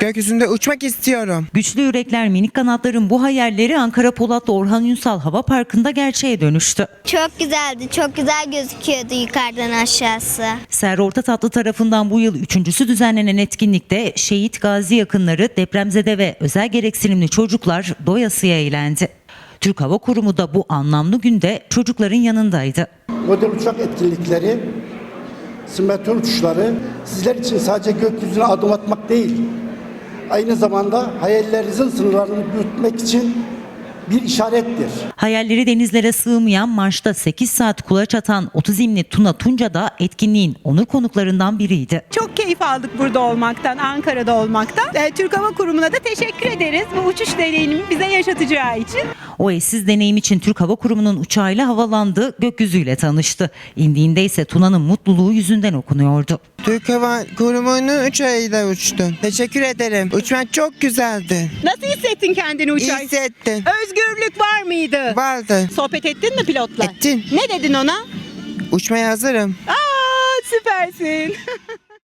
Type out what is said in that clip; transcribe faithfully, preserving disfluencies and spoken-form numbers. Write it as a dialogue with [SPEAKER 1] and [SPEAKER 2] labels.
[SPEAKER 1] Gökyüzünde uçmak istiyorum.
[SPEAKER 2] Güçlü Yürekler Minik Kanatlar'ın bu hayalleri Ankara Polatlı Orhan Ünsal Hava Parkı'nda gerçeğe dönüştü.
[SPEAKER 3] Çok güzeldi. Çok güzel gözüküyordu yukarıdan aşağısı.
[SPEAKER 2] Ser Ortatatlı tarafından bu yıl üçüncüsü düzenlenen etkinlikte şehit gazi yakınları, depremzede ve özel gereksinimli çocuklar doyasıya eğlendi. Türk Hava Kurumu da bu anlamlı günde çocukların yanındaydı.
[SPEAKER 4] Model uçak etkinlikleri, simülatör uçuşları sizler için sadece gökyüzüne adım atmak değil, aynı zamanda hayallerinizin sınırlarını büyütmek için bir işarettir.
[SPEAKER 2] Hayalleri denizlere sığmayan Marş'ta sekiz saat kulaç atan otizmli Tuna Tunca da etkinliğin onur konuklarından biriydi.
[SPEAKER 5] Çok keyif aldık burada olmaktan, Ankara'da olmaktan. Ee, Türk Hava Kurumu'na da teşekkür ederiz bu uçuş deneyimini bize yaşatacağı için.
[SPEAKER 2] O eşsiz deneyim için Türk Hava Kurumu'nun uçağıyla havalandı, gökyüzüyle tanıştı. İndiğinde ise Tuna'nın mutluluğu yüzünden okunuyordu.
[SPEAKER 1] Türk Hava Kurumu'nun uçağıyla uçtum. Teşekkür ederim. Uçmak çok güzeldi.
[SPEAKER 5] Nasıl hissettin kendini
[SPEAKER 1] İyi
[SPEAKER 5] uçarken?
[SPEAKER 1] hissettim.
[SPEAKER 5] Özgürlük var mıydı?
[SPEAKER 1] Vardı.
[SPEAKER 5] Sohbet ettin mi pilotla?
[SPEAKER 1] Ettim.
[SPEAKER 5] Ne dedin ona?
[SPEAKER 1] Uçmaya hazırım.
[SPEAKER 5] Aa, süpersin.